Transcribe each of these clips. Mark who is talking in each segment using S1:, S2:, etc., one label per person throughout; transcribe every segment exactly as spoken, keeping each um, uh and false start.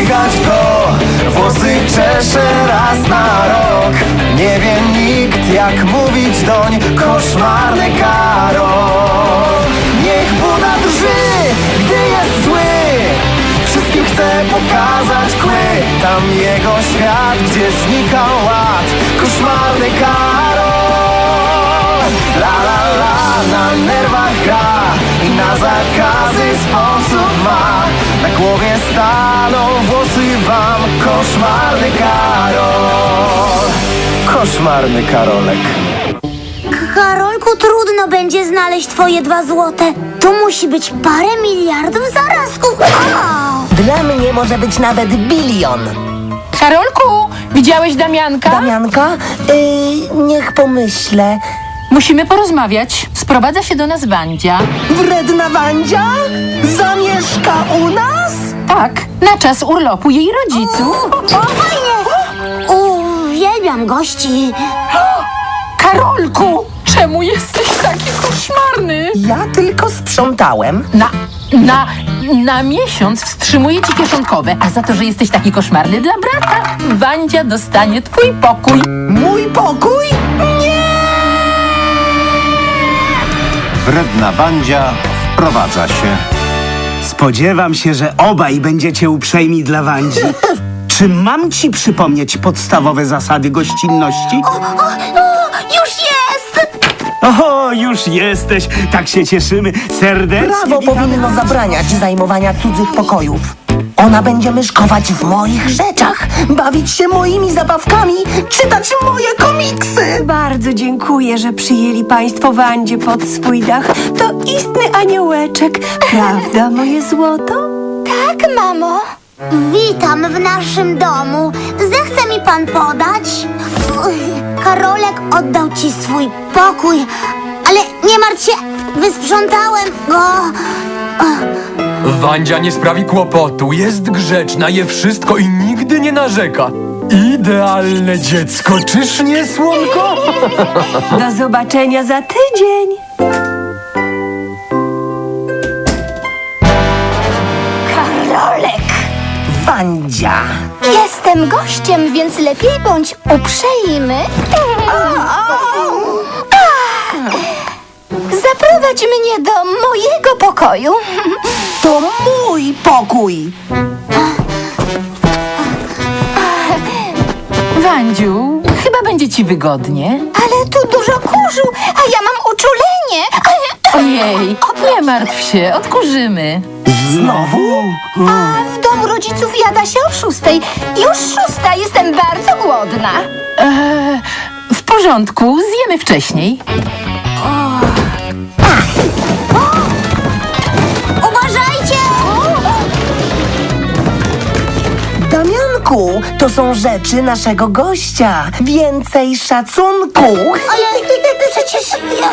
S1: dźwigać go. Włosy czesze raz na rok. Nie wie nikt, jak mówić doń. Koszmarny Karol. Niech Buda drży, gdy jest zły. Wszystkim chce pokazać kły. Tam jego świat, gdzie znika ład. Koszmarny Karol. La la la, na nerwach gra i na zakazy sposób ma. Na głowie staną włosy wam. Koszmarny Karol. Koszmarny Karolek.
S2: Karolku, trudno będzie znaleźć twoje dwa złote. Tu musi być parę miliardów zarazków. O!
S3: Dla mnie może być nawet bilion.
S4: Karolku, widziałeś Damianka?
S3: Damianka? Yy, niech pomyślę.
S4: Musimy porozmawiać. Sprowadza się do nas Wandzia.
S3: Wredna Wandzia? Zamieszka u nas?
S4: Tak, na czas urlopu jej rodziców.
S2: O, fajnie! Uwielbiam gości.
S4: Karolku, czemu jesteś taki koszmarny?
S3: Ja tylko sprzątałem.
S4: Na, na, na miesiąc wstrzymuję ci kieszonkowe, a za to, że jesteś taki koszmarny dla brata, Wandzia dostanie twój pokój.
S3: Mój pokój?
S5: Wredna Wandzia wprowadza się.
S6: Spodziewam się, że obaj będziecie uprzejmi dla Wandzi. Czy mam ci przypomnieć podstawowe zasady gościnności?
S2: O, o, już jest!
S6: O, już jesteś! Tak się cieszymy. Serdecznie
S3: Prawo
S6: witamy.
S3: powinno zabraniać zajmowania cudzych pokojów. Ona będzie myszkować w moich rzeczach, bawić się moimi zabawkami, czytać moje komiksy.
S7: Bardzo dziękuję, że przyjęli państwo Wandzie pod swój dach. To istny aniołeczek. Prawda, moje złoto?
S2: Tak, mamo. Witam w naszym domu. Zechce mi pan podać? Uch, Karolek oddał ci swój pokój, ale nie martw się, wysprzątałem go.
S8: Wandzia nie sprawi kłopotu, jest grzeczna, je wszystko i nigdy nie narzeka. Idealne dziecko, czyż nie, słonko?
S7: Do zobaczenia za tydzień.
S2: Karolek,
S3: Wandzia.
S2: jestem gościem, więc lepiej bądź uprzejmy. Zaprowadź mnie do mojego pokoju.
S3: To mój pokój.
S4: Wandziu, chyba będzie ci wygodnie.
S2: Ale tu dużo kurzu, a ja mam uczulenie.
S4: Ojej, nie martw się, odkurzymy.
S3: Znowu?
S2: A w domu rodziców jada się o szóstej. Już szósta, jestem bardzo głodna.
S4: Eee, w porządku, zjemy wcześniej.
S2: Uważajcie!
S3: Damianku, to są rzeczy naszego gościa. Więcej szacunku.
S2: Ale przecież ja...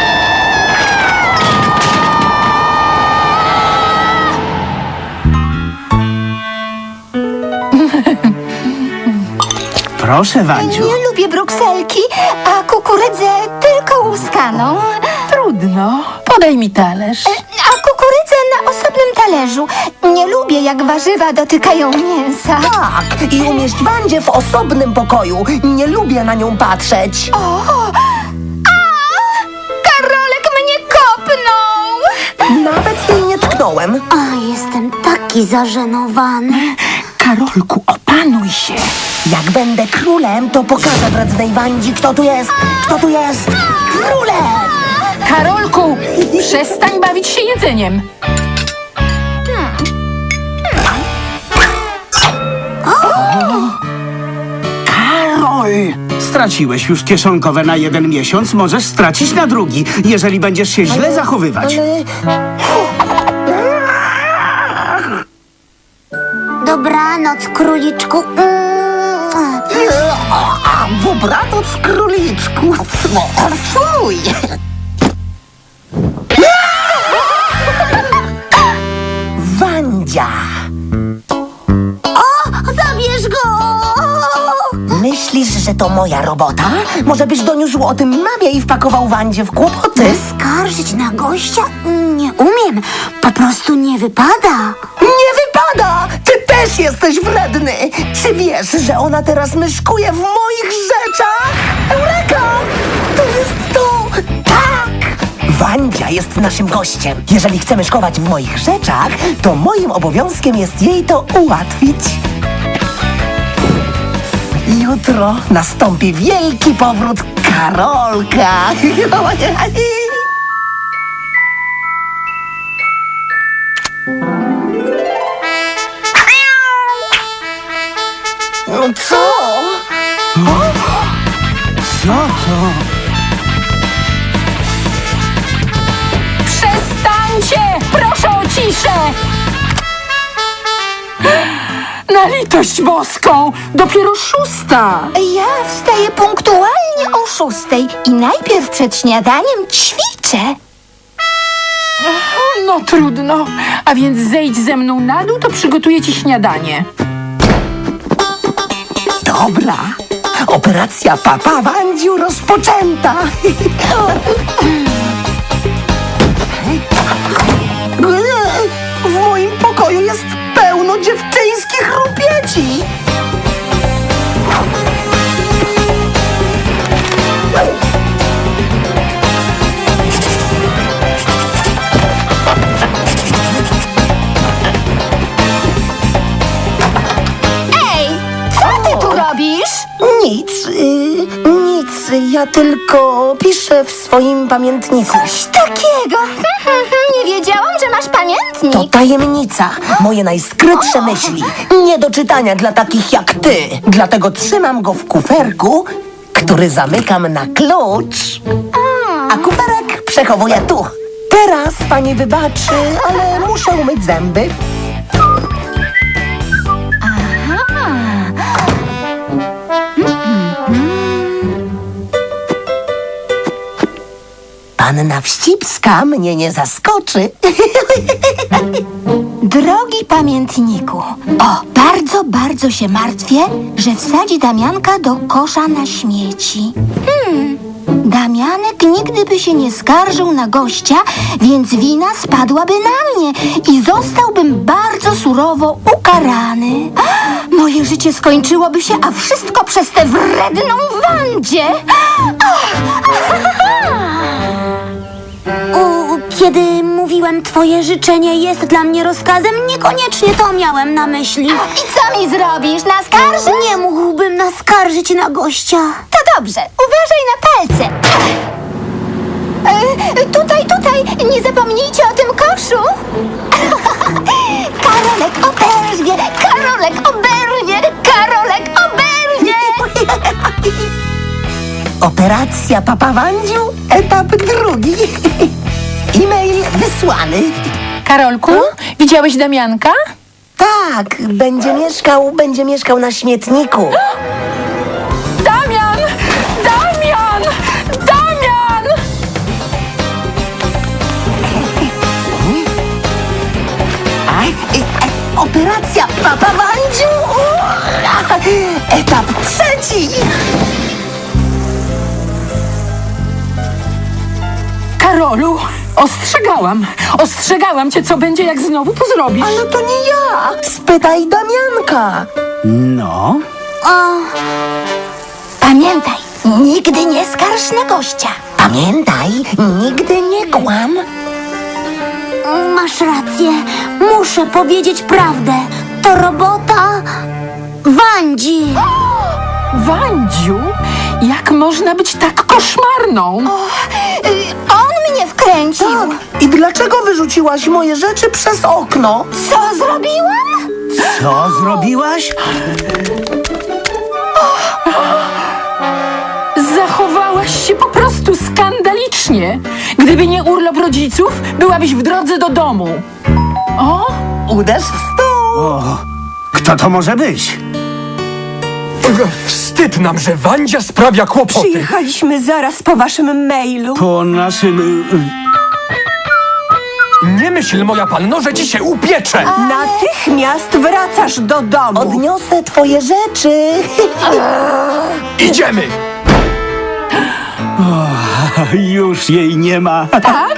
S6: Proszę, Wandziu.
S2: Nie lubię brukselki, a kukurydzę tylko łuskaną.
S4: Trudno, podaj mi talerz.
S2: A kukurydzę na osobnym talerzu. Nie lubię, jak warzywa dotykają mięsa.
S3: Tak, i umieść Wandzię w osobnym pokoju. Nie lubię na nią patrzeć.
S2: O! A! Karolek mnie kopnął!
S3: Nawet jej nie tknąłem.
S2: A, jestem taki zażenowany.
S4: Karolku, opanuj się.
S3: Jak będę królem, to pokażę wrednej Wandzi, kto tu jest. Kto tu jest? Królem!
S4: Karolku, przestań bawić się jedzeniem.
S6: Karol! Straciłeś już kieszonkowe na jeden miesiąc, możesz stracić na drugi, jeżeli będziesz się źle zachowywać.
S2: Dobranoc, króliczku.
S3: Dobranoc, króliczku. Fuj! Wandzia!
S2: O, zabierz go!
S3: Myślisz, że to moja robota? Może byś doniósł o tym mamie i wpakował Wandzie w kłopoty?
S2: Skarżyć na gościa? Nie umiem. Po prostu nie wypada.
S3: Nie wypada! Ty też jak jesteś wredny! Czy wiesz, że ona teraz myszkuje w moich rzeczach? Eureka! To jest to! Tak! Wandzia jest naszym gościem. Jeżeli chce myszkować w moich rzeczach, to moim obowiązkiem jest jej to ułatwić. Jutro nastąpi wielki powrót Karolka. No co?
S6: Co to?
S4: Przestańcie! Proszę o ciszę! Na litość boską! Dopiero szósta!
S2: Ja wstaję punktualnie o szóstej i najpierw przed śniadaniem ćwiczę.
S4: No trudno. A więc zejdź ze mną na dół, to przygotuję ci śniadanie.
S3: Dobra. Operacja Papa Wandziu rozpoczęta. W moim pokoju jest pełno dziewczyńskich rupieci.
S2: Ej, co ty tu robisz?
S3: Nic, y, nic. Ja tylko piszę w swoim pamiętniku.
S2: Coś takiego. Nie wiedziałam, że masz pamiętnik.
S3: To tajemnica. Moje najskrytsze myśli. Nie do czytania dla takich jak ty. Dlatego trzymam go w kuferku, który zamykam na klucz. A kuferek przechowuję tu. Teraz pani wybaczy, ale muszę umyć zęby. Panna Wścibska mnie nie zaskoczy.
S2: Drogi pamiętniku, o, bardzo, bardzo się martwię, że wsadzi Damianka do kosza na śmieci. Hmm, Damianek nigdy by się nie skarżył na gościa, więc wina spadłaby na mnie i zostałbym bardzo surowo ukarany. Moje życie skończyłoby się, a wszystko przez tę wredną Wandzię.
S9: U, kiedy mówiłem twoje życzenie jest dla mnie rozkazem, niekoniecznie to miałem na myśli.
S2: I co mi zrobisz? Naskarżysz?
S9: Nie mógłbym naskarżyć na gościa.
S2: To dobrze, uważaj na palce. E, tutaj, tutaj, nie zapomnijcie o tym koszu. Karolek oberwie, Karolek oberwie, Karolek oberwie.
S3: Operacja Papa Wandziu, etap drugi. E-mail wysłany.
S4: Karolku, widziałeś Damianka?
S3: Tak, będzie mieszkał, będzie mieszkał na śmietniku.
S4: Damian! Damian! Damian!
S3: Operacja Papa Wandziu, etap trzeci.
S4: Karolu, ostrzegałam. Ostrzegałam cię, co będzie, jak znowu to zrobisz.
S3: Ale to nie ja. Spytaj Damianka.
S6: No?
S2: Pamiętaj, nigdy nie skarż na gościa.
S3: Pamiętaj, nigdy nie kłam.
S9: Masz rację, muszę powiedzieć prawdę. To robota Wandzi.
S4: Wandziu, jak można być tak koszmarną?
S2: Y, on mnie wkręcił.
S3: Tak. I dlaczego wyrzuciłaś moje rzeczy przez okno?
S2: Co zrobiłam?
S6: Co zrobiłaś?
S4: Zachowałaś się po prostu skandalicznie. Gdyby nie urlop rodziców, byłabyś w drodze do domu. O,
S3: Uderz w stół.
S6: O, kto to może być?
S8: Wstyd nam, że Wandzia sprawia kłopoty.
S7: Przyjechaliśmy zaraz po waszym mailu.
S6: Po naszym...
S8: Nie myśl, moja panno, że ci się upiecze.
S7: Natychmiast wracasz do domu.
S3: Odniosę twoje rzeczy.
S8: Idziemy!
S6: Już jej nie ma.
S4: tak?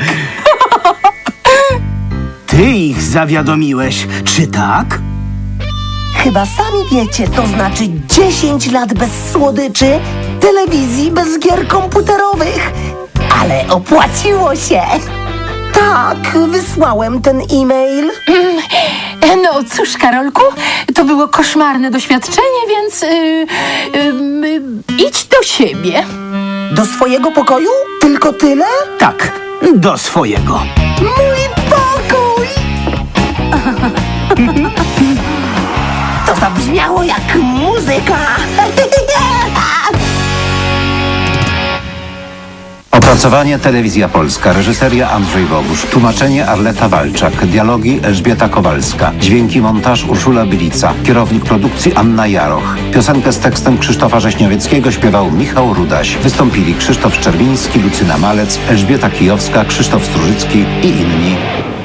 S6: Ty ich zawiadomiłeś, czy tak?
S3: Chyba sami wiecie, co znaczy dziesięć lat bez słodyczy, telewizji bez gier komputerowych. Ale opłaciło się. Tak, wysłałem ten e-mail.
S4: E, No cóż, Karolku, to było koszmarne doświadczenie, więc yy, yy, idź do siebie.
S3: Do swojego pokoju? Tylko tyle?
S6: Tak, do swojego.
S3: Mój pokój! To zabrzmiało jak muzyka.
S5: Opracowanie Telewizja Polska, reżyseria Andrzej Bogusz, tłumaczenie Arleta Walczak, dialogi Elżbieta Kowalska, dźwięki montaż Urszula Bylica, kierownik produkcji Anna Jaroch. Piosenkę z tekstem Krzysztofa Rześniowieckiego śpiewał Michał Rudaś. Wystąpili Krzysztof Szczerbiński, Lucyna Malec, Elżbieta Kijowska, Krzysztof Strużycki i inni.